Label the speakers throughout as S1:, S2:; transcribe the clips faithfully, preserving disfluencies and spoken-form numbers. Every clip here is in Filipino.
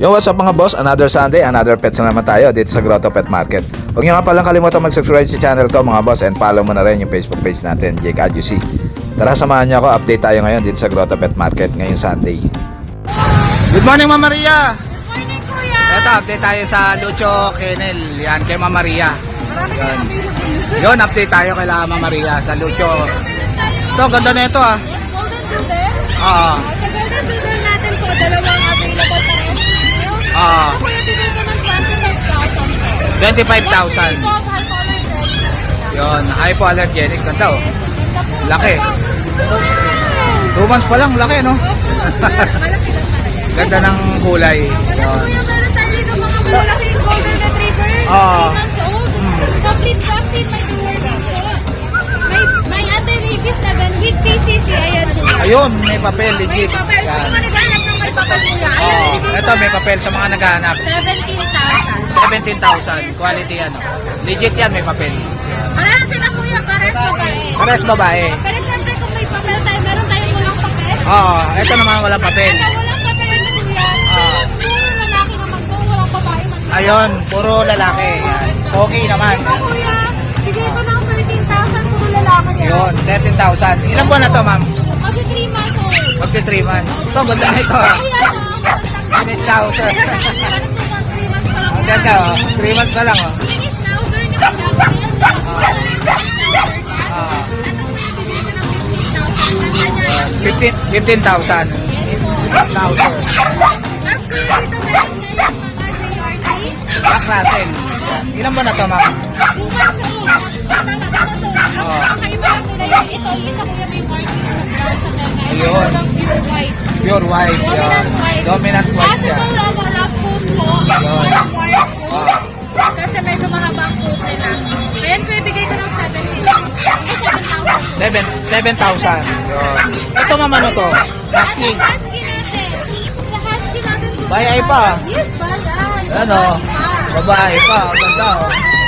S1: Yo, what's up mga boss? Another Sunday, another pets na naman tayo dito sa Grotto Pet Market. Huwag nyo nga palang kalimutan mag-subscribe sa channel ko mga boss, and follow mo na rin yung Facebook page natin, Jake Adjusi. Tara, samahan nyo ako, update tayo ngayon dito sa Grotto Pet Market ngayong Sunday. Good morning Mama Maria!
S2: Good morning kuya!
S1: Ito, update tayo sa Lucho Kennel. Yan, kay Mama Maria. Yan. Yun, update tayo kay Mama Maria sa Lucho. Ito, ganda na ito ah.
S2: Yes, golden doodle.
S1: Oo.
S2: Sa golden doodle natin po, dalawang available para S P L.
S1: Oo.
S2: Ito kuya, bigay ko ng twenty-five thousand po.
S1: twenty-five thousand.
S2: Yes, high allergen.
S1: Yun, hypoallergenic. Ganda oh.
S2: Yes, ganda po.
S1: Laki.
S2: Two months pa lang.
S1: Two months pa lang, laki no?
S2: Opo, sir. Malaki lang talaga.
S1: Ganda ng kulay.
S2: Tapos kuya, meron tayo dito mga malalaking golden retriever.
S1: Oo.
S2: three months old. Complete vaccine, may tumor dito. May, may anti-rabies na gan with P C C. Ayan kuya.
S1: Ayun, may papel,
S2: May
S1: legit.
S2: papel. Sa
S1: Yan.
S2: mga naghanap ng may papel kuya. Ayan,
S1: Oo.
S2: bigay
S1: Ito,
S2: ko
S1: may
S2: ng
S1: papel sa mga naghahanap.
S2: seventeen thousand.
S1: seventeen thousand. Quality ano. Legit yan, may papel.
S2: Parehas sila kuya, parehas babae.
S1: Pares babae.
S2: Pero syempre kung may papel tayo, meron tayong walang papel.
S1: Oo, ito naman walang papel.
S2: Ito, walang papel na kuya.
S1: Ah.
S2: Puro lalaki naman to, walang babae man.
S1: Ayun, puro lalaki. Yan. Okay naman.
S2: Ito kuya, bigay ko ng thirteen thousand, puro lalaki yan.
S1: Yun, thirteen thousand. Ilang buwan na to, ma'am?
S2: Magsi three months old.
S1: Magti three months. Ito, ganda na ito. ah.
S2: Kuya, no, matandang-
S1: Mini schnauzer.
S2: Parang two months, three months pa lang
S1: Ang
S2: yan.
S1: ganda, oh. three months pa lang, oh.
S2: Mini schnauzer ni kuya. Wala na yung mini schnauzer niya.
S1: Ah.
S2: Ito kuya, bigay ko ng fifteen thousand. Ganda niya.
S1: fifteen fifteen thousand.
S2: Yes po.
S1: Schnauzer.
S2: Tapos kuya, dito meron ngayong mga J R T.
S1: Jack Russell. Ilang buwan na to, ma'am?
S2: Two months old. Tama, two months old. Ang
S1: Oo.
S2: kakaiba lang nila yung ito. Yung isa kuya may markings na brown sa tenga. Ito
S1: Ayun.
S2: lang pure white.
S1: Pure white. Yun.
S2: Dominant white.
S1: Dominant white siya.
S2: Possible lang wala coat po.
S1: Ayun.
S2: Or white coat.
S1: Ah.
S2: Kasi medyo mahaba ang coat nila. Ngayon ko ibigay ko ng seventeen. Ay, seven thousand.
S1: Seven, seven thousand. Yun. Ito ma'am, ano to? Husky.
S2: Sa husky natin. Sa husky natin. kuya.
S1: Bayay pa.
S2: Yes, bayay.
S1: Ano?
S2: Babae pa.
S1: Babae pa. Ang ganda oh.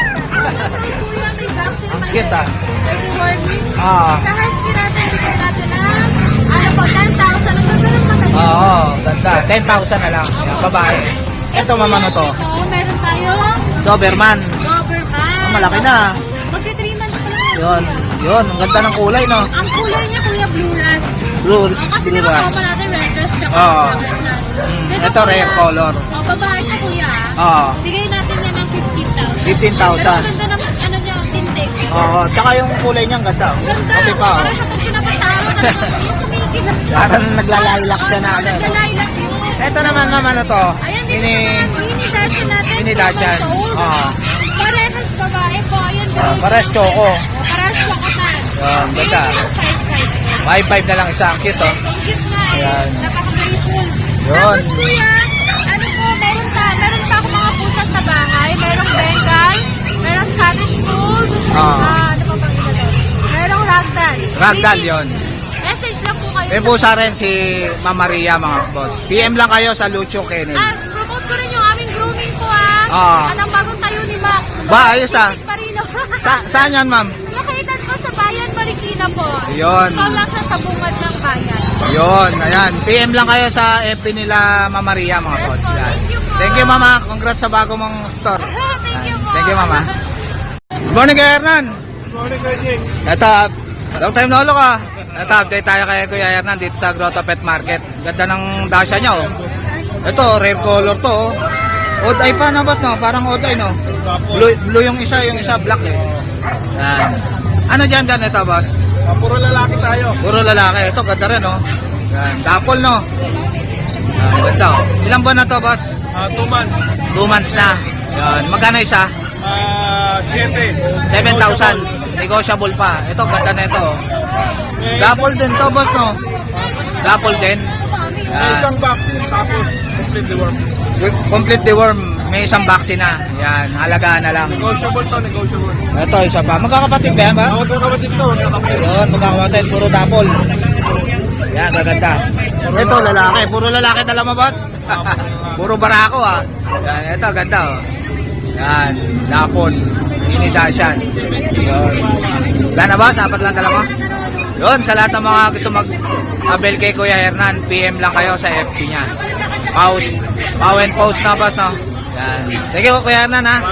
S2: Kuya, may vaccine
S1: Ang
S2: pa
S1: cute,
S2: yan.
S1: ah.
S2: May deworming.
S1: Ah.
S2: Sa husky natin, bigay natin ng ano po, ten thousand. Ang ganda ng mata niya.
S1: Oo, ganda. ten thousand na lang. Yan, babae. Ito ma'am, ano to?
S2: Ito, meron tayong
S1: Doberman.
S2: Doberman.
S1: Oh, malaki na.
S2: Magti three months pa lang yan,
S1: Yun.
S2: kuya.
S1: Yun, ang ganda ng kulay, no?
S2: Ang kulay niya, kuya, blue ras.
S1: Blue.
S2: Oh, kasi
S1: blue
S2: di ba
S1: rat.
S2: common natin red dress tsaka
S1: Oo.
S2: black na.
S1: Mm, ito, rare color.
S2: Oh, babae ka kuya.
S1: Oo.
S2: Bigay natin yan ng fifteen thousand.
S1: fifteen
S2: Pero
S1: thousand.
S2: ang ganda ng ano niya, tintig.
S1: Oo, tsaka yung kulay niya, ang ganda.
S2: Ganda.
S1: Kape pa, oh.
S2: Para siya pag pinapasaro na yung kumikilat.
S1: Parang naglalaylac siya na,
S2: Oo,
S1: ano.
S2: naglalaylac yun.
S1: Ito naman, ma'am, ano to?
S2: Ayan din
S1: Ini,
S2: sa mga mini dashan natin.
S1: Mini
S2: two
S1: Dachshund.
S2: months old.
S1: Oo.
S2: Parehas babae po. Ayan,
S1: Ah,
S2: bigay ko
S1: parehas
S2: ng-
S1: choco.
S2: Oh, parehas chocotan.
S1: Yan, ganda.
S2: five five.
S1: five five na lang isa. Ang cute, oh.
S2: Yes, ang cute na eh.
S1: Ayan.
S2: Napaka-playful.
S1: Yun.
S2: Tapos kuya, ano po, meron pa, meron pa ako mga pusa sa bahay. Merong Bengal, merong Scottish Fold,
S1: Ah.
S2: ah, ano pa bang ina doon? Merong Ragdoll.
S1: Ragdoll
S2: Really,
S1: yun.
S2: Message lang po kayo.
S1: May
S2: sa-
S1: pusa rin si Ma'am Maria, mga boss. P M lang kayo sa Lucho Kennel.
S2: Ah, promote ko rin yung aming grooming po ah.
S1: Ah.
S2: Anong bagong tayo ni Mac.
S1: Ba, ayos, ah.
S2: Parino.
S1: Sa, saan yan, ma'am?
S2: Located po sa bayan, Marikina po.
S1: Yun.
S2: Ito lang siya sa bungad ng bayan.
S1: Yun, ayan. P M lang kayo sa F B nila, Ma'am Maria, mga
S2: Yes
S1: boss.
S2: po,
S1: Yan.
S2: thank you po.
S1: Thank you, mama. Congrats sa bago mong store.
S2: Thank you po.
S1: Thank you, mama. Good morning, Kuya Hernan.
S3: Good morning, Kuya Jake.
S1: Ito, long time na ulo ka. Ito, update tayo kay Kuya Hernan dito sa Grotto Pet Market. Ganda ng dasha niya, oh. Ito, rare color to, oh. Odd eye pa na, boss, no? Parang odd eye, no? Blue, blue yung isa, yung isa black, eh. Yan. Ano dyan, dyan, ito, boss?
S3: Ah, puro lalaki tayo.
S1: Puro lalaki. Ito, ganda rin, no? Yan. Dapol, no? Yan, ganda, oh. Ilang buwan na to, boss?
S3: Ah, two months.
S1: Two months na. Yan. Magkano isa?
S3: Ah, siete.
S1: seven thousand. Negotiable pa. Ito, ganda na ito, oh.
S3: May,
S1: Dapol din to, boss, no? Dapol din.
S3: may
S1: Yan.
S3: isang vaccine tapos complete the work.
S1: Complete the worm. May isang vaccine na. Yan, halagaan na lang.
S3: Negotiable to, negotiable.
S1: Ito, isa pa. Magkakapatid ba yan, boss?
S3: Ako ito kapatid to, nakapit.
S1: Yun, magkakapatid. Puro dapol. Yan, gaganda. Ito, lalaki. Puro lalaki tala mo, boss? Puro barako, ah. Yan, ito, ganda, oh. Yan, dapol. Mini Dachshund. Yun. Wala na, boss? Apat lang tala mo? Yun, sa lahat ng mga gusto mag-abel kay Kuya Hernan, P M lang kayo sa F B niya. Pause. Pow and pause na boss, no? Yan. Thank you, Kuya Hernan, ha?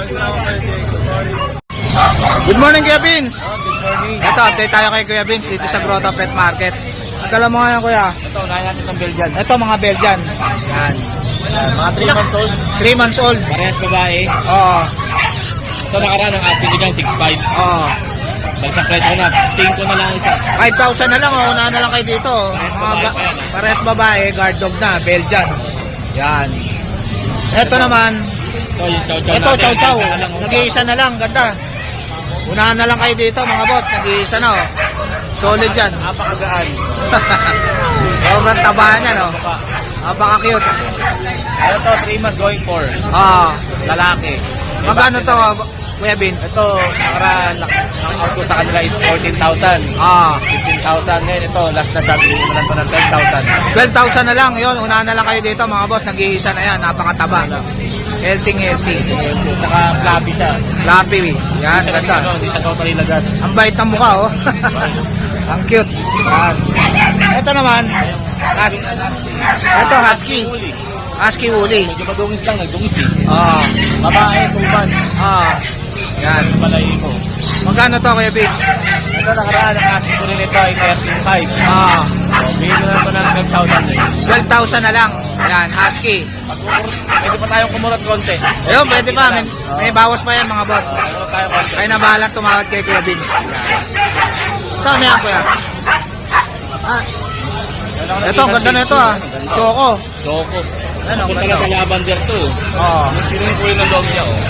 S1: Good morning, Kuya Vince.
S3: Good morning.
S1: Ito, update tayo kay Kuya Vince dito sa Grotto Pet Market. Ang dala mo ngayon, Kuya?
S3: Ito, unahin natin ng Belgian.
S1: Ito, mga Belgian. Yan.
S3: Mga three months old.
S1: three months old.
S3: Parehas babae.
S1: Oo.
S3: Ito nakaraan ng asking ko dyan, six five.
S1: Oo.
S3: Bagsang presyo na, cinco na lang isa.
S1: five thousand na lang, oh. Unahan na lang kayo dito. oh. Mga ba- Pares babae, guard dog na, Belgian. Yan. Ito naman,
S3: Ito, yung chow chow
S1: ito,
S3: natin.
S1: chow chow.
S3: Isa na lang, oh.
S1: Nag-iisa na lang, ganda. Unahan na lang kayo dito, mga boss. Nag-iisa na, oh. Solid yan.
S3: Napakagaan.
S1: Sobrang taba niya, no?
S3: Baka.
S1: Napaka-cute.
S3: Ano to, three months going for.
S1: Ah,
S3: Lalaki.
S1: magkano to, Kuya Vince?
S3: Ito, nakaraan, ang out ko sa kanila is fourteen thousand.
S1: Ah,
S3: fifteen thousand. Ngayon ito, last na sabi ko na lang ito ng ten thousand.
S1: twelve thousand na lang. Yun, unahan na lang kayo dito, mga boss. Nag-iisa na yan. Napakataba. Healthy, healthy.
S3: Saka fluffy siya.
S1: Fluffy. Yan,
S3: Hindi siya
S1: ganda.
S3: ano, Hindi siya totally lagas.
S1: Ang bait ng mukha, oh. Ang cute. Yan. Ito naman, hus- ito, husky. Husky woolly.
S3: Medyo madungis lang, nagdungis eh.
S1: Ah,
S3: Babae, two months.
S1: ah. Yan.
S3: Balay ko.
S1: Magkano to, Kuya Vince?
S3: Ito nakaraan, ang asking ko rin ito ay thirteen five.
S1: Ah,
S3: So, bigyan ko na ito ng twelve thousand eh.
S1: twelve thousand na lang. Yan, husky.
S3: Pag pwede pa tayong kumurot konti.
S1: Ayun, pwede pa. May, may bawas pa yan, mga boss.
S3: Kumurot tayo konti.
S1: Kaya na bahala tumawad kay Kuya Vince. Ito, ano yan, Kuya? Ah, ito, ang ganda na ito, ah. Choco.
S3: Choco.
S1: Ano,
S3: Ito
S1: ganda.
S3: talaga sa lavender to.
S1: Oh,
S3: Sino yung kulit ng dog niya oh.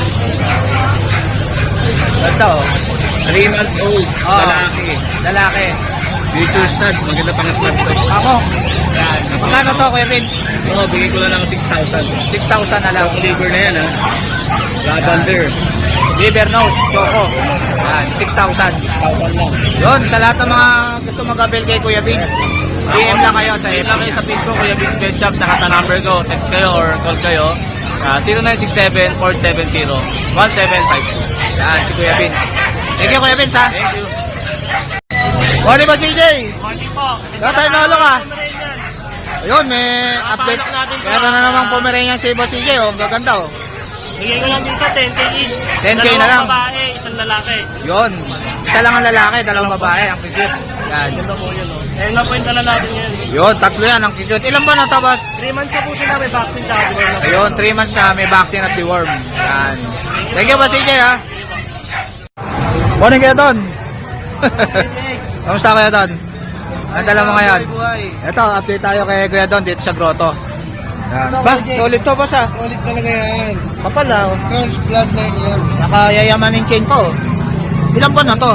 S1: ganda, oh.
S3: three months old.
S1: Ah.
S3: Lalaki.
S1: Lalaki.
S3: Future stud. Maganda pang stud to.
S1: Ako.
S3: Yan.
S1: Magkano to, Kuya Vince?
S3: Oo, bigay ko lang ng six thousand.
S1: six thousand na lang.
S3: Choco liver na yan ha. Lavender.
S1: Liver nose, choco. Yan, six thousand.
S3: six thousand lang.
S1: Yun, sa lahat ng mga gusto mag-avail kay Kuya Vince, D M lang kayo sa
S3: Hit
S1: F B.
S3: lang kayo sa pin ko, Kuya Vince Pet Shop. Naka sa number ko. Text kayo or call kayo. Uh, zero nine six seven, four seven zero, one seven five two.
S1: Yan, si Kuya Vince. Thank you, Kuya Vince, ha?
S3: Thank you.
S1: Morning ba, C J?
S3: Morning po.
S1: Lahat tayo nalo ka. Ayun, may update. Meron na namang Pomeranian si Boss C J, oh. Ang gaganda, oh.
S4: Bigay ko lang dito, ten K each.
S1: ten K na lang.
S4: Dalawang babae, isang lalaki.
S1: Yun. Isa lang ang lalaki, dalawang babae. Ang cute. Yan.
S4: Ganda po yun, oh. Ayun na po yung dala natin yun.
S1: Yun, tatlo yan. Ang cute. Ilan ba na to, boss?
S4: three months na po sila, may vaccine sa atin.
S1: Ayun, three months na may vaccine at deworm. Yan. Thank you, Boss C J, ha? Morning, Kuya Don. Kamusta, Kuya Don? Ang dala mo ngayon? Ito, update tayo kay Kuya Don dito sa grotto. Yan. Ba, solid to, boss, ha?
S5: Solid talaga yan.
S1: Kapal, ha?
S5: Crunch bloodline yan.
S1: Nakayayamanin chain pa, oh. Ilan pa na to?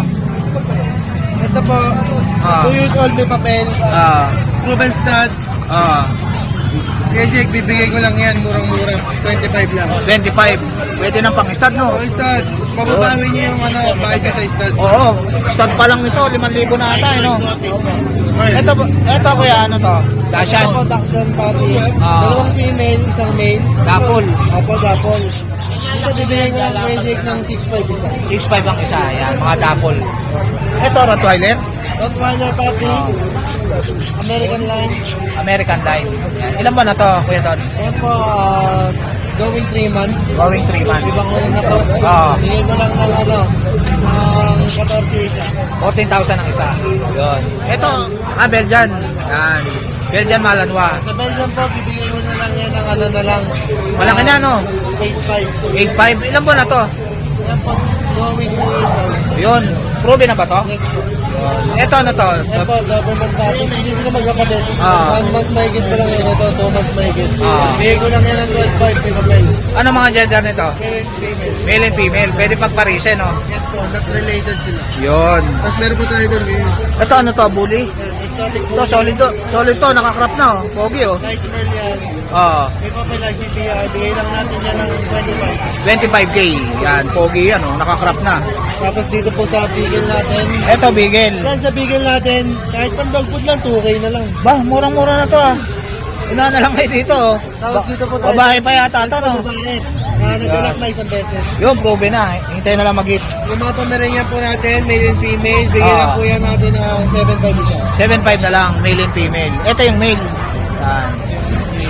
S5: Ito po,
S1: Ah.
S5: two years old may papel.
S1: Ah,
S5: Proven stud.
S1: ah,
S5: Kaya Jake, bibigay ko lang yan. Murang-mura. twenty-five lang.
S1: twenty-five. Pwede nang pang-start, no?
S5: Oh, stud. Pababawi niyo yung ano, bayad ko sa stud.
S1: Oo, start pa lang ito, limang libo na ata, eh, no? Ito, ito, Kuya, ano to? Dashan.
S5: Ito po, Dachshund puppy.
S1: Ah.
S5: Dalawang female, isang male.
S1: Dapol.
S5: Opo, dapol. Ito, bibigay ko lang kay Jake ng six five isa.
S1: six five ang isa, yan, mga dapol. Ito, Rottweiler.
S5: Rottweiler puppy. American line.
S1: American line. Yan. Ilan ba na to, Kuya Don?
S5: Ayan po, ah, going three months.
S1: Going three months.
S5: Ibang ulo na po.
S1: Ah.
S5: Bigay ko lang ng ano, ng fourteen isa.
S1: fourteen thousand ang isa. Yun. Ito, ah, Belgian. Yan. Belgian Malanois.
S5: Sa Belgium po, bibigay ko na lang yan ng ano na lang.
S1: Malaki na, no?
S5: eight five.
S1: eight five. Ilan ba na to?
S5: Yan po, going two years old.
S1: Yun. Proven na ba to?
S5: Yes po.
S1: Ito, ano to?
S5: Yan po, government practice. Hindi sila magkapatid.
S1: Ah.
S5: One month mahigit pa lang yan. Ito, two months mahigit.
S1: Ah.
S5: Bigay ko lang yan ng twelve five. May papel.
S1: Ano mga gender nito?
S5: Parent, female.
S1: Male and female. Pwede pagparisen, no?
S5: Yes po, not related sila.
S1: Yun.
S5: Tapos meron po tayo doon. Yan,
S1: Ito, ano to? Bully?
S5: exotic
S1: Ito, solid to. Solid to. Nakakrap na, oh. Pogi, oh.
S5: Light pearl yan.
S1: Oo.
S5: May papel I C P R. Bigay lang natin yan ng twenty-five.
S1: twenty-five K. Yan, pogi yan, oh. Nakakrap na.
S5: Tapos dito po sa bigel natin.
S1: Ito, bigel.
S5: Yan sa bigel natin, kahit pan dog food lang, two K na lang.
S1: Ba, murang-mura na to, ah. Ina na lang kayo dito, oh.
S5: Tapos
S1: Ba-
S5: dito po tayo.
S1: Babae pa yata ito, no?
S5: Babae. Ah, nag-anak na isang beses.
S1: Yun, proven na. Hintay na lang mag-hit.
S5: Yung mga Pomeranian po natin, male and female, bigyan
S1: Ah.
S5: lang po yan natin ng seven five isa.
S1: seven five na lang, male and female. Ito yung male. Yan.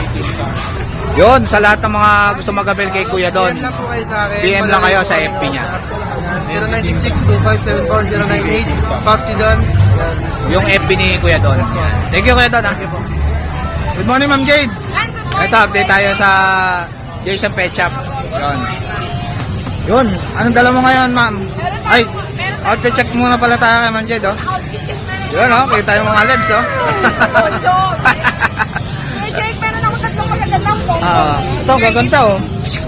S1: Yun, sa lahat ng mga gusto mag-avail kay Kuya Don,
S5: P M lang po kayo sa akin.
S1: P M lang kayo sa F B niya.
S5: zero nine six six two five seven four zero nine eight. Popsi Don. Yan.
S1: Yung F B ni Kuya Don. Thank you Kuya Don. Ha? Good morning Ma'am Jade. Ito, update tayo sa Jason Pet Shop. Yun. Yun, anong dala mo ngayon ma'am? Ay, outfit check muna pala tayo kay Ma'am Jade, oh. Yun, oh, kita yung mga legs, oh.
S2: Kuya Jake, meron ako tatlong magagandang photo.
S1: Ah, ito, gaganda, oh.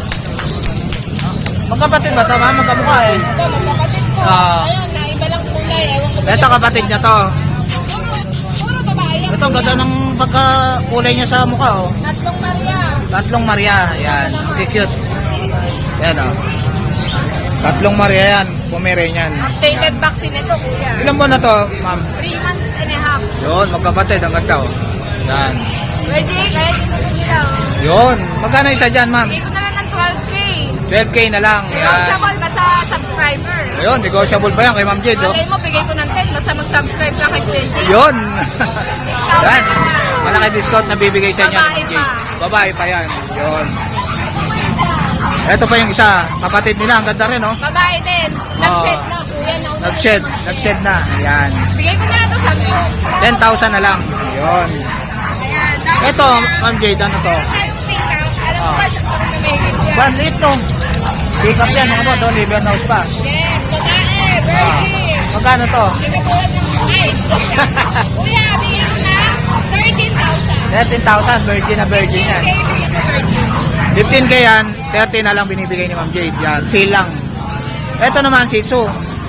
S1: Magkapatid ba ito, ma'am? Magkamukha, eh.
S2: Ito, magkapatid ko.
S1: Ah.
S2: Ayun, naiba lang kulay. Ewan ko ba
S1: Ito, kapatid niya to.
S2: Puro babae lang.
S1: Ito, ang ganda ng pagkakulay niya sa mukha, oh.
S2: Tatlong Maria.
S1: Tatlong Maria, yan. Okay, cute. Yan, oh. Tatlong Maria yan. Pomeranian.
S2: Updated vaccine ito, kuya.
S1: Ilan buwan na to, ma'am?
S2: Three months and a half.
S1: Yun, magkapatid. Ang ganda, oh. Yan.
S2: Kuya Jake, kaya dito ko nila. oh.
S1: Yun. Magkano isa dyan, ma'am?
S2: Bigay ko na lang ng twelve K.
S1: twelve K na lang. Yan.
S2: Negotiable basta subscriber.
S1: Ayun, negotiable pa yan kay Ma'am Jade, oh.
S2: Malay mo, bigay ko ng ten basta mag-subscribe ka kay Kuya Jake.
S1: Yun.
S2: Discount
S1: Yan.
S2: na lang.
S1: Malaki discount na bibigay sa inyo ni
S2: Babae
S1: Ma'am Jade.
S2: pa.
S1: Babae pa yan. Yun. Ito pa yung isa. Kapatid nila. Ang ganda rin, oh.
S2: Babae din. Nag-shed na, kuya. Nauna
S1: Nag-shed.
S2: na.
S1: Nag-shed na. Ayan.
S2: Bigay ko na lang ito sa iyo.
S1: ten thousand na lang. Yun.
S2: Ayan. Tapos
S1: Ito,
S2: kuya,
S1: Ma'am Jade, ano to?
S2: meron tayong pick up. Alam mo
S1: Ah.
S2: ba sa kung namigit yan?
S1: Bandit to. Pick up yan, mga boss. Oh, liver nose pa.
S2: Yes, babae.
S1: Ah.
S2: Virgin.
S1: Magkano to?
S2: Hindi ka tulad ng ay, joke lang. Kuya, bigay ko na thirteen thousand.
S1: thirteen thousand. Virgin na virgin yan.
S2: Okay, bigay ko virgin.
S1: fifteen K yan. thirty na lang binibigay ni Ma'am Jade. Yan. Sale lang. Ito naman, Shih Tzu.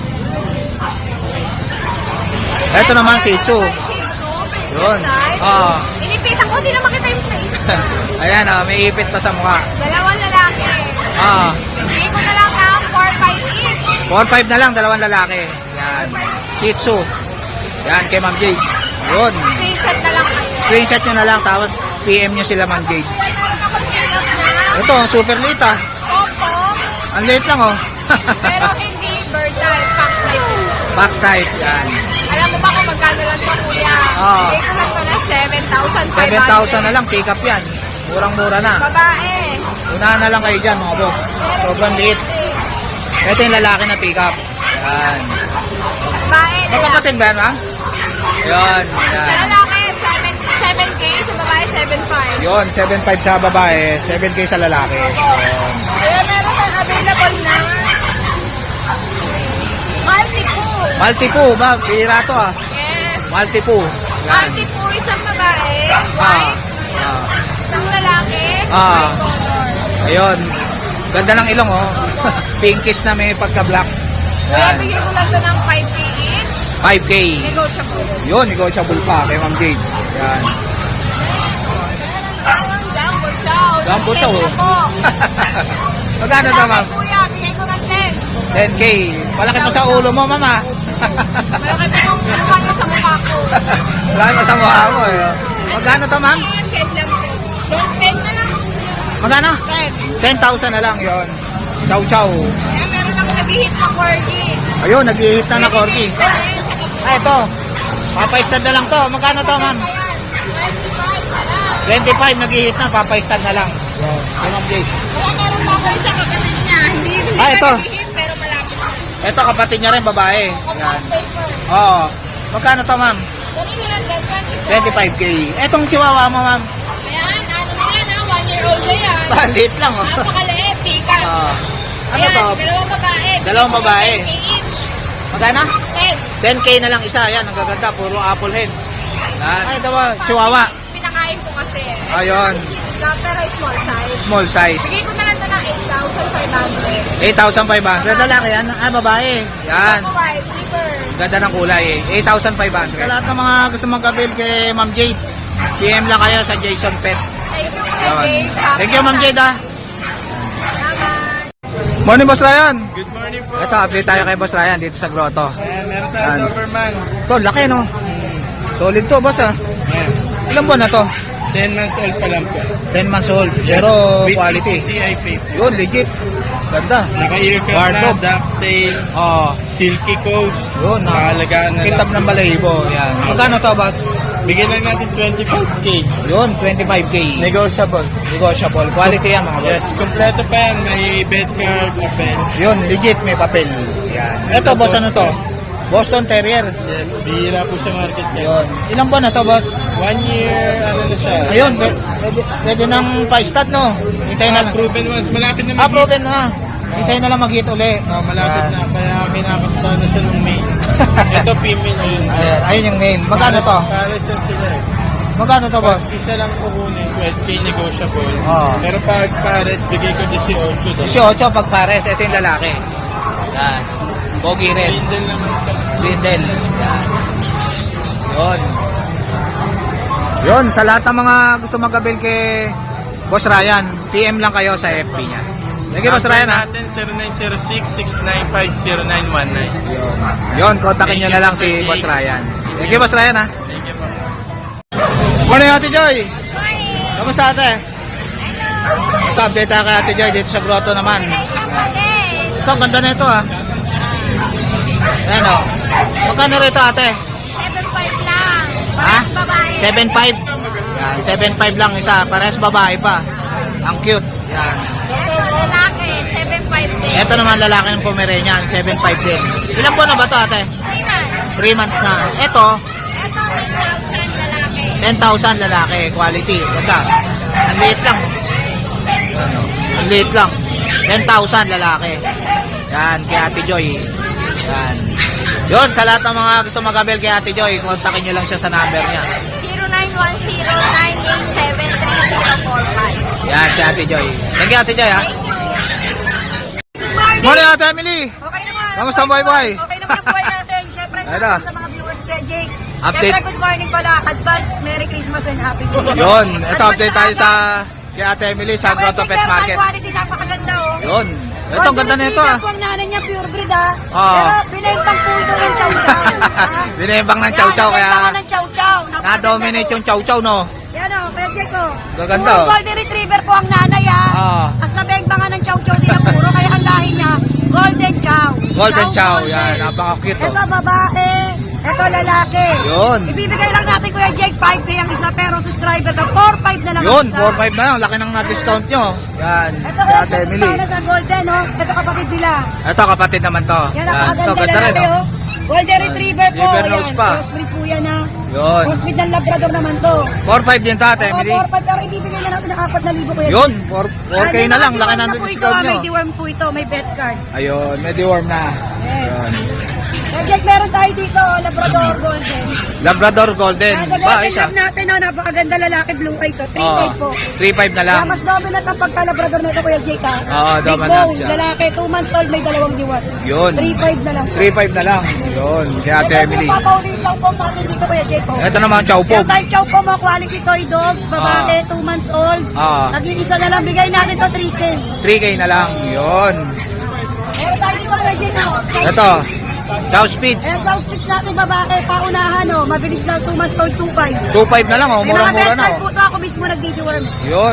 S1: Ito naman, Shih Tzu. Yun. Ah.
S2: Inipitan ko, hindi na makita yung face.
S1: Ayan, ah, may ipit pa sa mukha.
S2: Dalawang lalaki.
S1: Ah,
S2: Bigay ko na lang ng four five each.
S1: four five na lang, dalawang lalaki. Yan. Shih Tzu. Yan, kay Ma'am Jade. Yun.
S2: Screenshot na lang kayo.
S1: Screenshot nyo na lang, tapos P M nyo sila, Ma'am Jade.
S2: Meron ako pilot na
S1: Ito, super late ah.
S2: Oppo,
S1: Ang late lang oh.
S2: pero hindi bird type, fox type.
S1: Box type. Yan.
S2: Alam mo ba kung magkano lang ito, kuya?
S1: Ah.
S2: Bigay ko lang ito na seven thousand five hundred.
S1: seven thousand na lang, pick up yan. Murang-mura na.
S2: Babae.
S1: Unahan na lang kayo dyan, mga boss. Sobrang liit. Ito yung lalaki na pick up. Yan.
S2: Babae.
S1: Magkapatid ba yan, ma'am? Yan.
S2: Sa
S1: Yan.
S2: lalaki, seven K. Sa babae, seven five.
S1: Yun, seven five sa babae, seven K sa lalaki. Yun.
S2: Kaya meron tayong available na multi-pool.
S1: Multi-po ba? Pira to ah.
S2: Yes.
S1: Multi-po. Yan.
S2: Multi-pool, isang babae,
S1: Ah.
S2: white,
S1: Ah.
S2: isang lalaki,
S1: Ah.
S2: white color.
S1: Ayun. Ganda ng ilong oh. Pinkish na may pagka-black.
S2: Kaya
S1: Yan.
S2: bigyan ko lang ito ng five K each.
S1: five K.
S2: Negotiable.
S1: Yun, negotiable pa kay Ma'am Jade. Yan.
S2: Meron jumbo chow.
S1: Jumbo chow,
S2: Siyempre
S1: oh.
S2: po.
S1: Magkano to, ma'am?
S2: Kuya, bigay ko ng ten.
S1: ten K. Malaki pa sa ulo mo, ma'am ah.
S2: Malaki pa yung mukha niya sa mukha ko.
S1: Malaki pa sa mukha mo eh. Magkano to, ma'am?
S2: Kaya shed lang po. Don't ten na lang.
S1: Magkano?
S2: ten.
S1: ten thousand na lang yon. Chow chow.
S2: Kaya meron ako nag-hit na corgi.
S1: Ayun, nag-i-hit na na corgi.
S2: Release na rin sa kapatid.
S1: Ah, ito. Papaistad na lang to. Magkano to, ma'am?
S2: Ayan, twenty-five na lang.
S1: twenty-five, nag-i-hit na. Papaistad na lang. Yun. Yun, Ma'am Jade.
S2: Kaya meron pa ako isa kapatid niya. Hindi, hindi
S1: Ah,
S2: pa
S1: ito.
S2: nag-hit pero malapit na.
S1: Ito, kapatid niya rin, babae. Yan.
S2: Compact paper.
S1: Oo. Magkano to, ma'am?
S2: Kanina lang din,
S1: twenty-five K. Etong chihuahua mo, ma'am?
S2: Ayan, ano na yan ha, one year old na yan.
S1: Balit lang, oh.
S2: Napakaliit, tikas.
S1: Oo. Ano
S2: Ayan,
S1: to?
S2: dalawang babae.
S1: Dalawang babae.
S2: ten K each.
S1: Magkano?
S2: ten.
S1: ten K na lang isa. Yan, ang gaganda. Puro apple head. Yan. Ay, ito ba? Chihuahua.
S2: Pinakain ko kasi.
S1: Ayun.
S2: Pero small size.
S1: Small size.
S2: Bigay ko na lang ito ng eight thousand five hundred.
S1: eight thousand five hundred. Lalaki yan. Ah, babae. Yan.
S2: Ako white, liver.
S1: Ganda ng kulay eh. eight thousand five hundred. Sa lahat ng mga gusto mag-avail kay Ma'am Jade, P M lang kayo sa Jason Pet.
S2: Thank you, Kuya
S1: Yun.
S2: Dave.
S1: Thank you, Ma'am Jade ah.
S2: Salamat.
S1: Morning, Boss Ryan.
S5: Good morning po.
S1: Ito, update tayo kay Boss Ryan dito sa grotto.
S5: Ayan, meron
S1: Yan.
S5: tayong Doberman.
S1: Ito, laki no. Solid to, boss ah.
S5: Ayan.
S1: Ilang buwan na to?
S5: ten months old pa lang po.
S1: ten months old. Pero
S5: With
S1: quality.
S5: E C C I paper.
S1: Yun, legit. Ganda.
S5: Naka-earcap
S1: Guard
S5: na,
S1: dog.
S5: ducktail,
S1: Oh,
S5: silky coat.
S1: yun.
S5: Nakalagaan na
S1: Kitab
S5: lang.
S1: ng balahibo. Yan. Magkano to, boss?
S5: Bigyan lang natin twenty-five K.
S1: Yun, twenty-five K.
S5: Negotiable.
S1: Negotiable. Quality yan mga boss.
S5: Yes, kompleto pa yan. May bed card, papel.
S1: Yun, legit may papel. Yan. Ito boss, ano to? Boston Terrier.
S5: Yes, bihira po sa market yan.
S1: Yun. Ilang buwan na to boss?
S5: One year, ano na siya.
S1: Ayun, pwede, pwede, pwede nang pa-stat no? Hintayin na
S5: Ah,
S1: lang.
S5: proven once. Malapit na
S1: Ah,
S5: mag-
S1: proven na. Hintayin na lang mag-hit uli.
S5: Ah, malapit
S1: Yan.
S5: na. Kaya kinakasta na siya nung May. Ito female yun.
S1: Ayan, ayun yung mail. Magkano to?
S5: Pares yan sila eh.
S1: Magkano to boss?
S5: Pag isa lang kukunin, twelve K negotiable.
S1: Oo.
S5: Pero pag pares, bigay ko eighteen doon.
S1: eighteen pag pares. Ito yung lalaki. Yan. Pogi red.
S5: Bindle naman ito.
S1: Brindle. Yan. Yun. Yun, sa lahat ng mga gusto magabil kay Boss Ryan, P M lang kayo sa F B niya. Thank you, Boss Ryan, ha?
S5: natin zero nine zero six, six nine five, zero nine one nine.
S1: Yun. Yun, kontakin nyo na lang si Boss Ryan. Thank you, Boss Ryan, ha?
S5: Thank you po.
S1: Morning, Ate Joy. Kamusta, ate? Ito, update tayo kay Ate Joy dito sa grotto naman. Ito, ang ganda na ito, ha? Ayan, o. Magkano rito, ate?
S2: seven five lang.
S1: Ha?
S2: Parehas babae.
S1: seven five? Yan, seven five lang isa. Parehas babae pa. Ang cute. Yan.
S2: Ito, lalaki, seven five din.
S1: Ito naman lalaki ng Pomeranian, seven five din. Ilan po na ba ito, ate?
S2: three months.
S1: three months na. Ito,
S2: Ito, ten thousand lalaki.
S1: ten thousand lalaki. Quality. Ganda. Ang liit lang. Ano? Ang liit lang. ten thousand lalaki. Yan, kay Ate Joy. Yan. Yun, sa lahat ng mga gusto mag-abel kay Ate Joy, kontakin nyo lang siya sa number niya.
S2: zero nine one zero, nine eight seven, three zero four five.
S1: Yan, si Ate Joy. Thank you, Ate Joy, ha?
S2: Thank you.
S1: Morning, Ate Emily.
S6: Okay naman.
S1: Kamusta ang buhay-buhay?
S6: Okay naman ang buhay natin. Siyempre,
S1: Ito.
S6: sa, sa mga viewers kay Jake.
S1: Update.
S6: Siyempre, good morning pala. Advance, Merry Christmas and Happy New Year.
S1: Yun, ito
S6: Advance
S1: update
S6: na
S1: tayo
S6: aga.
S1: sa kay Ate Emily sa
S6: Ako,
S1: Grotto
S6: Jake,
S1: Pet
S6: meron
S1: Market.
S6: tayong quality, napakaganda oh.
S1: Yun. Ito, ang ganda na ito, ah.
S6: Golden Retriever po ang nanay niya, pure breed ah.
S1: Oo.
S6: Pero binembang po ito ng chow chow.
S1: Binembang ng chow-chow, kaya
S6: Binembang ng chow chow.
S1: na-dominate yung chow-chow, no?
S6: Yan o, kaya Jake oh.
S1: Gaganda,
S6: Puro
S1: oh.
S6: Golden Retriever po ang nanay ah.
S1: Oo.
S6: As nabengbangan ng chow chow din ang puro, kaya ang lahi niya, Golden Chow.
S1: Golden chow,
S6: Golden.
S1: yan. Napaka-cute, oh.
S6: Ito babae, ito lalaki.
S1: Yun.
S6: Ibibigay lang natin Kuya Jake, five K ang isa, pero subscriber ka, four five na lang ang
S1: Yun,
S6: isa.
S1: four five na lang. Laki ng na-discount nyo. Yan.
S6: Ito
S1: Kay
S6: Kuya
S1: Ate
S6: Jake,
S1: Emily.
S6: para sa Golden, oh. Ito kapatid nila.
S1: Ito, kapatid naman to.
S6: Yan,
S1: Ito,
S6: napakaganda
S1: ganda rin,
S6: lalaki,
S1: oh.
S6: oh. Golden Retriever po.
S1: River nose
S6: Yan,
S1: pa.
S6: crossbreed po yan, ha.
S1: Yun.
S6: Crossbreed ng Labrador naman to.
S1: four five din to, Ate
S6: Oo,
S1: Emily.
S6: four five, pero ibibigay lang natin ng apat na libo Kuya
S1: Yun,
S6: Jake.
S1: four K
S6: May
S1: na lang.
S6: mga
S1: Laki
S6: deworm
S1: ng
S6: na po ito,
S1: discount
S6: ah.
S1: nyo.
S6: May deworm po ito, may vet card.
S1: Ayun, may deworm na.
S6: Yes.
S1: Yun.
S6: Kuya Jake, meron tayo dito, oh, Labrador Golden.
S1: Labrador Golden.
S6: Nasa
S1: Ba,
S6: Golden
S1: isa.
S6: Lab natin, oh, napakaganda lalaki, blue eyes, oh, three five po.
S1: three five na lang.
S6: Kaya mas double at ang pagka-Labrador na ito, Kuya Jake, ha?
S1: Oo,
S6: Big
S1: double
S6: bone,
S1: at siya.
S6: lalaki, two months old, may dalawang diwan.
S1: Yun.
S6: three five na lang.
S1: three five na lang. Yun, kay Ate
S6: Ito,
S1: Emily.
S6: papauli yung chow pom natin dito, Kuya Jake, oh.
S1: Ito naman, chow pom.
S6: Meron tayong chow pom, oh, quality toy dog, babae, two months old.
S1: Ah.
S6: Nag-iisa na lang, bigay natin to three K.
S1: three K na lang. Yun.
S6: Meron tayo dito, Kuya Jake, oh.
S1: Ito, chow speeds.
S6: Ayan, chow sticks natin, babae, paunahan, oh. Mabilis lang, two months old, two five.
S1: two five na lang, oh.
S6: May mga
S1: Murang-mura na,
S6: vet card po
S1: oh.
S6: to, ako mismo nag-deworm.
S1: Yun.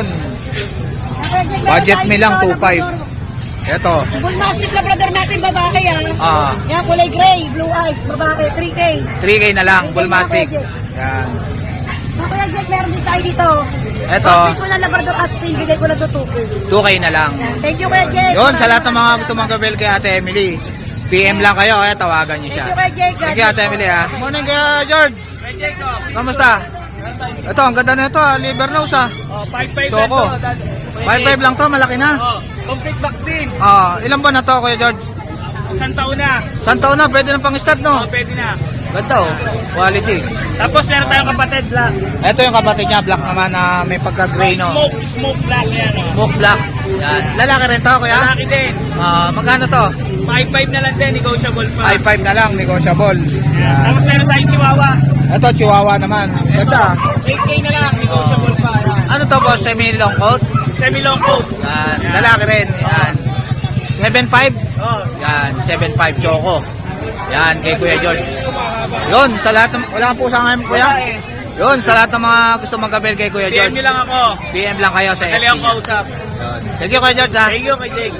S1: Budget me lang, two five. Ito.
S6: Bull Mastiff Labrador natin, babae, ah.
S1: Ah,
S6: Yan, kulay gray, blue eyes, babae, three K.
S1: three K na lang, Bull Mastiff. Yan.
S6: Mga Kuya Jack, meron din tayo dito.
S1: Ito.
S6: Mastiff ko na Labrador Aspin, bigay ko na to two K.
S1: two K na lang.
S6: Thank you, Kuya Jack.
S1: Yun, sa lahat ng mga gusto mag-avail kay Ate Emily, P M lang kayo, kaya tawagan niyo siya.
S6: Thank you, Kuya Jack.
S1: Thank you, Ate Emily, ha. Morning, kaya George. Kamusta? Ito, ang ganda na ito, ha. Liver nose, ha.
S4: Oh, five five
S1: Choco. five five lang to, malaki na.
S4: Oh, complete vaccine.
S1: Ah, ilan ba na to, Kuya George?
S4: Isang taon na.
S1: Saan taon na? Pwede na pang stud,
S4: Oh,
S1: no?
S4: pwede na.
S1: Ganda, oh. Quality.
S4: Tapos meron tayong kapatid black.
S1: Ito yung kapatid niya, black naman na may pagka-gray, no?
S4: Smoke, smoke black yan. Oh.
S1: Smoke black. Yan. Lalaki rin to, Kuya?
S4: Lalaki din.
S1: Ah, magkano to?
S4: five five na lang din, negotiable pa.
S1: five five na lang, negotiable.
S4: Yan. Tapos meron tayong chihuahua.
S1: Ito, chihuahua naman. Ganda.
S4: eight K na lang, negotiable pa. Yan.
S1: Ano to, boss? Semi-long coat?
S4: Semi-long coat.
S1: Yan. Lalaki rin. Yan. seven five?
S4: Oh.
S1: Yan. seven five choco. Yan, kay Kuya George. Yun, sa lahat ng... Wala kang pusa ngayon, Kuya? Yun, sa lahat ng mga gusto mag-avail kay Kuya
S4: P M
S1: George.
S4: nyo lang ako.
S1: P M lang kayo sa F B.
S4: Dali ang kausap.
S1: Yun. Thank you, Kuya George, ha?
S4: Thank you kay Jake.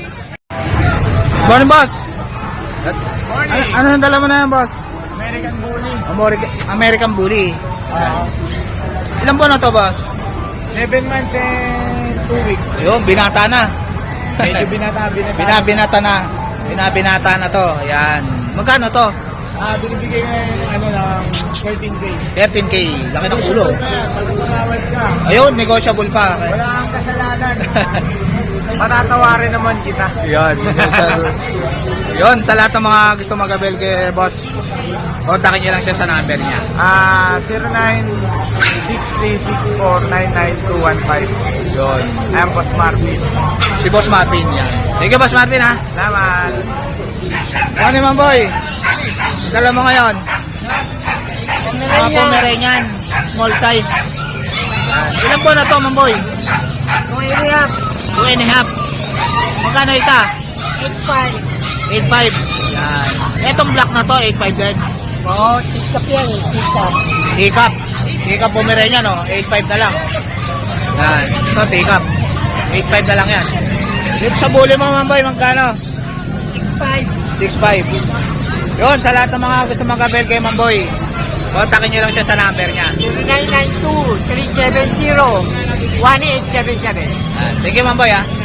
S1: Morning, boss. Ano,
S4: Morning.
S1: ano yung dala mo na yan, boss?
S4: American Bully.
S1: American, American Bully.
S5: Ah,
S1: Ilan buwan na to, boss?
S5: seven months and two weeks.
S1: Yun, binata na.
S5: Medyo binata, binata.
S1: Binabinata na. Binabinata na to. Yan. Magkano to?
S5: Ah, binibigay ngayon ng ano ng thirteen K.
S1: thirteen K. Laki ng ulo.
S5: Pag tumawad ka,
S1: Ayun, negotiable pa.
S5: wala kang kasalanan. Patatawarin naman kita.
S1: Yun. sa, yun, sa lahat ng mga gusto mag-abel kay boss, kontakin nyo lang siya sa number niya.
S5: Ah, zero nine six three six four nine nine two one five.
S1: Yun.
S5: I'm Boss Marvin.
S1: Si Boss Marvin yan. Thank you, Boss Marvin, ha?
S5: Salamat.
S1: Ano naman, boy? Dala mo ngayon? Mga Pomeranian. Small size. Ilan po na to, mamboy?
S6: Two and a half.
S1: Two and a half. Magkano isa?
S6: Eight five.
S1: eight five. Yan. Etong black na to, eight five din.
S6: Oo, sikap yan eh. Sikap.
S1: Tikap. Tikap Pomeranian, no? eight five na lang. Yan. Ito, tikap. eight five na lang yan. Dito sa buli mo, mamboy, magkano?
S6: Six five.
S1: six five. Yun, sa lahat ng mga gusto mag-abel kay Mamboy, kontakin nyo lang siya sa number niya.
S6: zero nine nine two three seven zero one eight seven seven.
S1: Yan. Thank you, Mamboy, ha?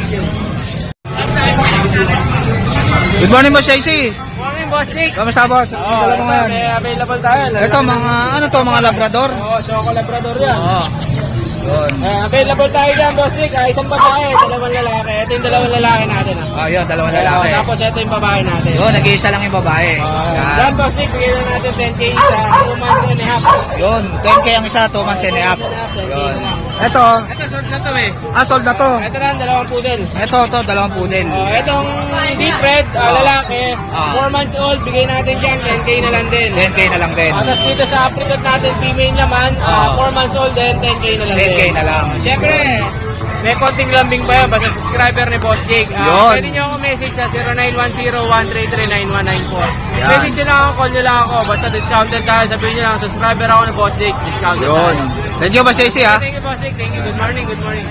S1: Good morning, Boss Shaisy.
S4: Morning, boss Nick.
S1: Kamusta, boss? Ano dala mo ngayon?
S4: May available tayo.
S1: Ito, mga, ano to, mga Labrador?
S4: Oo, Choco Labrador yan.
S1: Oo. Yun.
S4: Eh, available tayo dyan, boss Nick. Ah, isang babae, dalawang lalaki. Ito yung dalawang lalaki natin. Ah.
S1: Oh, yun, dalawang
S4: Oo,
S1: lalaki.
S4: tapos ito yung babae natin.
S1: Yun, nag-iisa lang yung babae. Yan.
S4: Yan, boss Nick, bigyan na natin ten K sa two months and a half.
S1: Yun, ten K ang isa, two months and a half. Yun. Ito,
S4: Ito, short na to eh.
S1: ah, sold na to.
S4: Ito na, dalawang poodle.
S1: Ito, to, dalawang poodle.
S4: Oh, itong deep red, ah, lalaki,
S1: Ah.
S4: four months old, bigay natin dyan, ten K na lang din.
S1: ten K na lang din.
S4: Ah, tapos dito sa apricot natin, female naman,
S1: Ah.
S4: four months old din, ten K na lang
S1: ten K
S4: din.
S1: na lang.
S4: Siyempre, may konting lambing pa yan, basta subscriber ni Boss Jake.
S1: Yun.
S4: Uh, pwede nyo ako message sa zero nine one zero one three three nine one nine four.
S1: Yan.
S4: Message nyo lang ako, call nyo lang ako, basta discounted tayo, sabihin nyo lang, subscriber ako ni Boss Jake, discounted
S1: Yun.
S4: tayo.
S1: Thank you, Boss Shaisy, ha?
S4: Thank you, Boss Jake. Thank you. Good morning, good morning.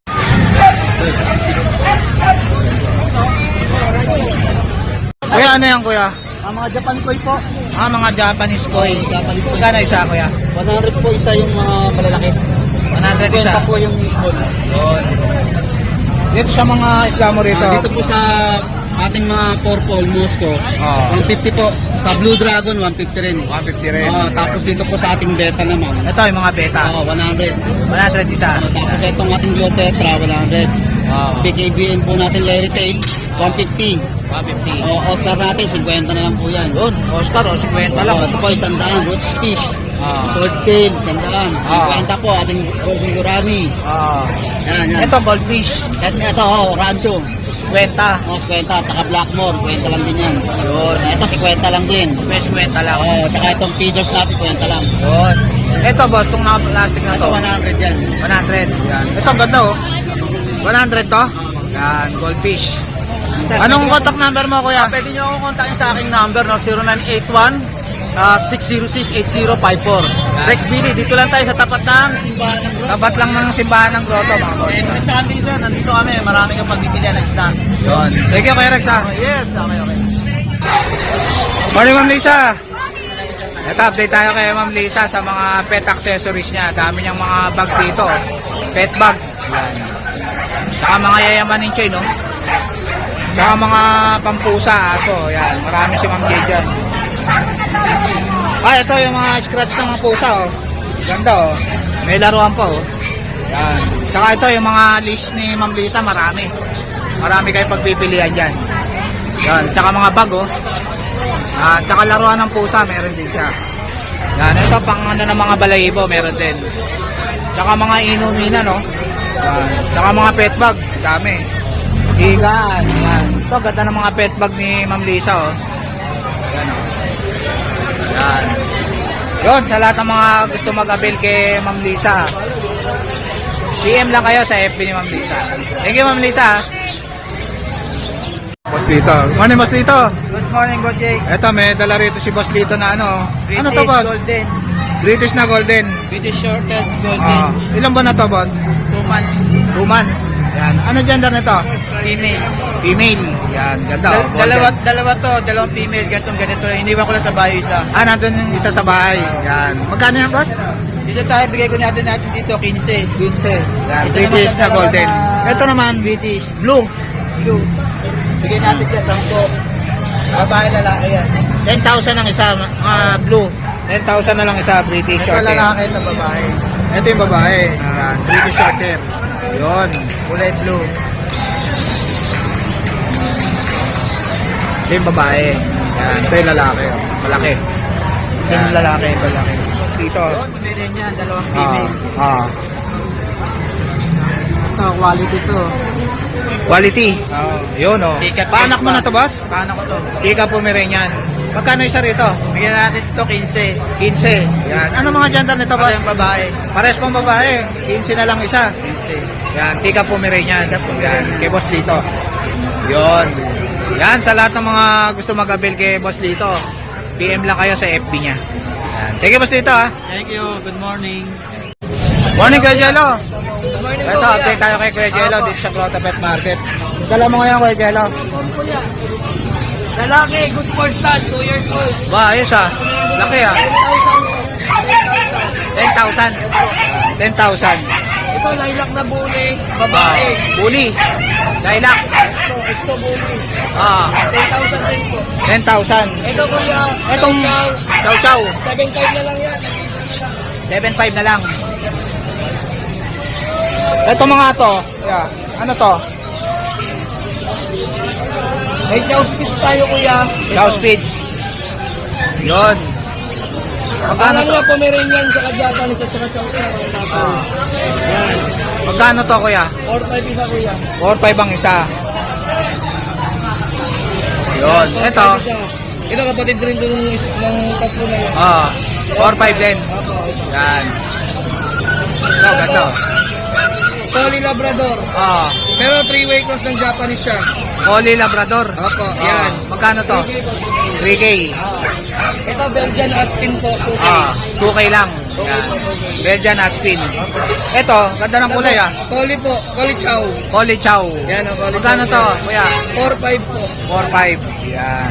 S1: Kuya, ano yan, kuya?
S5: Ang mga Japan Koi po.
S1: Ah, mga Japanese koi.
S5: Japanese Koi.
S1: Magkano isa, kuya?
S5: one hundred po isa yung mga malalaki.
S1: one hundred isa.
S5: po yung small.
S1: Yun. Dito sa mga isla mo rito.
S5: Ah, dito po sa ating mga purple Moscow,
S1: Oh.
S5: one fifty po. Sa Blue Dragon, one fifty rin.
S1: one fifty rin.
S5: Ah, tapos dito po sa ating beta naman,
S1: Ito, yung mga beta.
S5: ah, one hundred.
S1: one hundred isa.
S5: Tapos itong ating Blue Tetra, one hundred.
S1: Oh.
S5: P K B M po natin Larry Tail, one fifty.
S1: one fifty.
S5: O Oscar natin, fifty na lang po yan.
S1: Yun, Oscar, o, fifty lang.
S5: Oh, ito po, isang daan, Roots Fish.
S1: Ah.
S5: Sword Tail, isang daan.
S1: Ah.
S5: fifty po, ating Golden Gurami.
S1: Ah.
S5: Yan, yan.
S1: Ito, goldfish.
S5: Ito, ito oh, Rancho.
S1: fifty.
S5: Oh, fifty, taka Blackmore, fifty lang din yan.
S1: Yun.
S5: Ito, fifty lang din.
S1: May fifty lang.
S5: Oh, tsaka itong feeders natin, fifty lang.
S1: Yun. Ito, boss, itong naka-plastic na
S5: Ito,
S1: to.
S5: one hundred yan.
S1: one hundred. Yan. Ito, ang ganda, oh. one hundred to. Yan, goldfish. Anong contact number mo, kuya?
S5: Pwede nyo akong kontakin sa aking number, no? zero nine eight one six zero six eight zero five four. Rex Billy, dito lang tayo sa tapat ng simbahan ng Grotto.
S1: Tapat lang ng simbahan ng grotto, mga boss.
S5: Every Sunday sir, nandito kami, marami kang pagpipilian ng isda.
S1: Yun. Thank you, Kuya Rex, ha?
S5: Oh, yes, okay, okay.
S1: Morning, Ma'am Lisa. Ito, update tayo kay Ma'am Lisa sa mga pet accessories niya. Dami niyang mga bag dito. Pet bag. Yan. Saka mga yayamanin siya, no? Saka mga pampusa, aso. Yan. Marami si Ma'am Jade dyan. Ah, ito yung mga scratch ng mga pusa, oh. Ganda, oh. May laruan pa, oh. Yan. Saka ito yung mga leash ni Ma'am Lisa, marami. Marami kayo pagpipilian dyan. Yan. Saka mga bag, oh. Ah, tsaka laruan ng pusa, meron din siya. Yan, ito pang ano ng mga balahibo, meron din. Tsaka mga inumina, no? Yan. Tsaka mga pet bag, dami. Higaan, yan. Ito, ganda ng mga pet bag ni Ma'am Lisa, oh. Yan, oh. Yan. Yun, sa lahat ng mga gusto mag-avail kay Ma'am Lisa, P M lang kayo sa F B ni Ma'am Lisa. Thank you, Ma'am Lisa. Boss Lito. Morning, Boss Lito.
S5: Good morning, Good Jake.
S1: Eto, may dala rito si Boss Lito na ano. Ano to, boss?
S5: Golden.
S1: British na golden.
S5: British Shorted
S1: Ah, ilan ba na to, boss?
S5: two months.
S1: Two months. Yan. Ano gender nito?
S5: Female.
S1: Female. Yan, ganda. oh, golden.
S5: dalawa, dalawa to, dalawang female, ganitong ganito. Iniwan ko lang sa bahay isa.
S1: Ah, nandun yung isa sa bahay. Yan. Magkano yan, boss?
S5: Dito tayo, bigay ko natin natin dito, quince.
S1: quince. Yan,
S5: Ito
S1: British
S5: naman,
S1: na golden.
S5: dalawa na-
S1: Ito naman,
S5: British. Blue. Blue. Bigay natin dyan, sampo. Babae, lalaki yan.
S1: ten thousand ang isa, ah, blue. ten thousand na lang isa, British
S5: Ito
S1: short hair.
S5: lalaki, ito babae.
S1: Ito yung babae. Yan, British short hair. Yun.
S5: Kulay blue.
S1: Ito yung babae. Yan, ito yung lalaki. oh. Malaki.
S5: Ito yung lalaki, lalaki.
S1: Tapos dito.
S5: Meron yan, dalawang
S1: Ah,
S5: female.
S1: ah.
S5: Ito, quality to.
S1: Quality. Yun, oh.
S5: Tikat
S1: Paanak mo na to, boss?
S5: Paano ko to?
S1: Ika Pomeranian. Magkano isa rito?
S5: Bigyan natin ito, quince.
S1: quince. Yan. Ano mga gender nito,
S5: Ito
S1: boss?
S5: yung babae.
S1: Pares pang babae. quince na lang isa.
S5: quince.
S1: Yan, Tika Pomeranian. Yan, kay boss dito. Yun. Yan, sa lahat ng mga gusto mag-avail kay boss dito, P M lang kayo sa F B niya. Yan. Thank you, boss dito, ha.
S5: Thank you. Good morning.
S1: Morning, Kuya Jello. Ito, update tayo kay Kuya Jello dito sa Grotto Pet Market. Dala mo ngayon, Kuya Jello.
S6: Lalaki, good for start, two years old.
S1: Ba, ayos ah. Laki ah. ten thousand. ten thousand.
S6: Ito, lilac na buli,
S1: Babae. Bully. Lilac.
S6: Exo buli,
S1: Ah,
S6: ten thousand din po.
S1: ten thousand.
S6: Ito kuya,
S1: Etong chow chow.
S6: seven five na lang yan.
S1: seven five na lang. Ito mga to. Kuya, ano to?
S6: May chow spits tayo kuya.
S1: Chow speeds. Yun. Magkano
S6: Ano
S1: to?
S6: nga Pomeranian, tsaka Japanese, at tsaka chow chow.
S1: Ah. Magkano to, kuya?
S6: four five isa kuya.
S1: four five ang isa. Yun. Ito.
S6: Ito kapatid rin doon ng, ng tatlo na yan.
S1: Ah, four five din.
S6: Opo, ito.
S1: Yan. Ito, ganito.
S6: Collie Labrador.
S1: Ah,
S6: Pero three-way cross ng Japanese siya.
S1: Collie Labrador.
S6: Opo,
S1: Ah,
S6: yan.
S1: magkano to? three K.
S6: Ito Belgian Aspin po, two K.
S1: Ah, two K lang. Yan. Belgian Aspin. Ito, ganda ng kulay ah.
S6: Collie po, Collie Chow.
S1: Collie Chow.
S6: Yan ang Collie
S1: Magkano
S6: Chow.
S1: to, kuya?
S6: four five po.
S1: four five. Yan.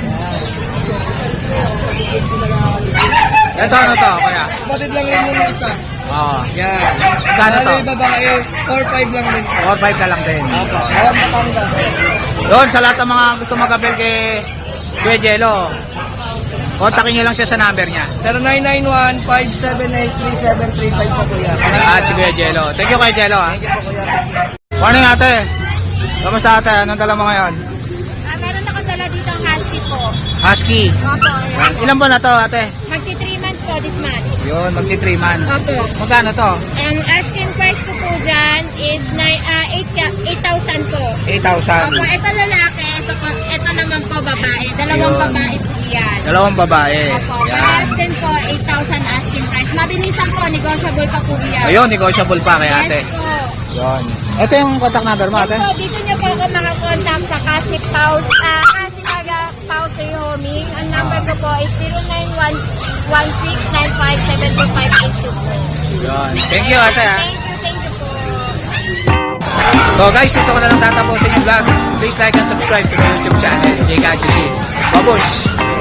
S1: Ito ano to, kuya?
S6: Kapatid lang rin yung isa.
S1: Ah,
S6: Yan.
S1: Magkano to?
S6: Bali, babae, four five lang rin.
S1: four five na lang din.
S6: Opo, awan Batangas.
S1: Doon, sa lahat ng mga gusto mag-appel kay Kuya Jello, kontakin nyo lang siya sa number niya.
S6: zero nine nine one, five seven eight, three seven three five po kuya.
S1: At si Kuya Jello. Thank you, Kuya Jello. Ha?
S6: Thank you po kuya.
S1: Morning, ate. Kamusta, ate? Anong dala mo ngayon?
S2: Ah, meron ako dala dito ang husky po.
S1: Husky.
S2: Opo,
S1: Yan. Ilan ba na to, ate?
S2: magti three months po this month.
S1: Yun, magti three months.
S2: Opo.
S1: Magkano to?
S2: Ang asking price ko po dyan is nine, ah, eight thousand po.
S1: eight thousand.
S2: Opo, ito lalaki, ito, po, ito naman po babae. Dalawang
S1: Yun.
S2: babae po yan.
S1: Dalawang babae.
S2: Opo,
S1: Yan.
S2: parehas din po, eight thousand asking price. Mabilisan po, negotiable pa po yan.
S1: Ayun, negotiable pa kay ate.
S2: Yes po.
S1: Yun. Ito yung contact number mo,
S2: Yes
S1: ate?
S2: po, dito niyo po ako makakontakt sa Kasi Paus, ah, Kasi Maga Paus Rehoming. Ang number ko po is zero nine one one six nine five seven two five eight two po.
S1: Yun. Thank you, ate. Ha?
S2: Thank you, thank you po.
S1: So guys, ito ko na lang tatapusin yung vlog. Please like and subscribe to my YouTube channel, J K G C. Babush!